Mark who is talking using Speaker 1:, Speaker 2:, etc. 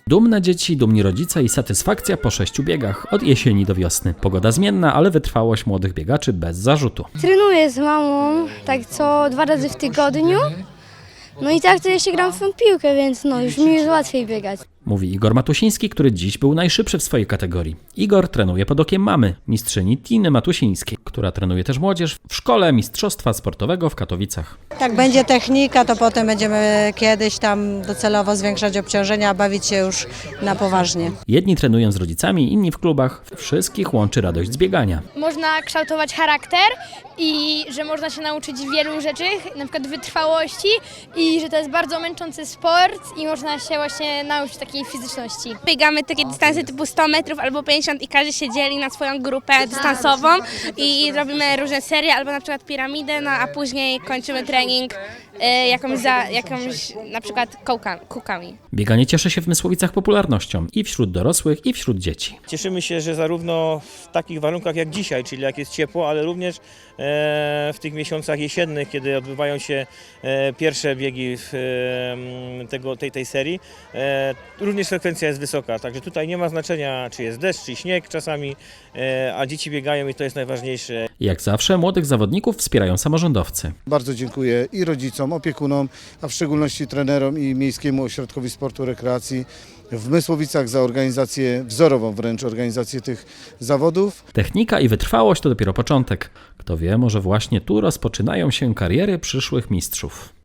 Speaker 1: Dumne dzieci, dumni rodzice i satysfakcja po 6 biegach od jesieni do wiosny. Pogoda zmienna, ale wytrwałość młodych biegaczy bez zarzutu.
Speaker 2: Trenuję z mamą tak co 2 razy w tygodniu. No i tak to jeszcze gram w tą piłkę, więc już mi jest łatwiej biegać.
Speaker 1: Mówi Igor Matusiński, który dziś był najszybszy w swojej kategorii. Igor trenuje pod okiem mamy, mistrzyni Tiny Matusińskiej, która trenuje też młodzież w szkole mistrzostwa sportowego w Katowicach.
Speaker 3: Jak będzie technika, to potem będziemy kiedyś tam docelowo zwiększać obciążenia, a bawić się już na poważnie.
Speaker 1: Jedni trenują z rodzicami, inni w klubach. Wszystkich łączy radość z biegania.
Speaker 4: Można kształtować charakter i że można się nauczyć wielu rzeczy, na przykład wytrwałości i że to jest bardzo męczący sport i można się właśnie nauczyć takiej fizyczności.
Speaker 5: Biegamy takie dystanse typu 100 metrów albo 50 i każdy się dzieli na swoją grupę dystansową i robimy różne serie albo na przykład piramidę, a później kończymy trening jakąś na przykład kółkami.
Speaker 1: Bieganie cieszy się w Mysłowicach popularnością i wśród dorosłych, i wśród dzieci.
Speaker 6: Cieszymy się, że zarówno w takich warunkach jak dzisiaj, czyli jak jest ciepło, ale również w tych miesiącach jesiennych, kiedy odbywają się pierwsze biegi tej serii, również frekwencja jest wysoka. Także tutaj nie ma znaczenia, czy jest deszcz, czy śnieg czasami, a dzieci biegają i to jest najważniejsze.
Speaker 1: Jak zawsze młodych zawodników wspierają samorządowcy.
Speaker 7: Bardzo dziękuję i rodzicom, opiekunom, a w szczególności trenerom i Miejskiemu Ośrodkowi Sportu i Rekreacji w Mysłowicach za organizację, wzorową wręcz organizację tych zawodów.
Speaker 1: Technika i wytrwałość to dopiero początek. Kto wie, może właśnie tu rozpoczynają się kariery przyszłych mistrzów.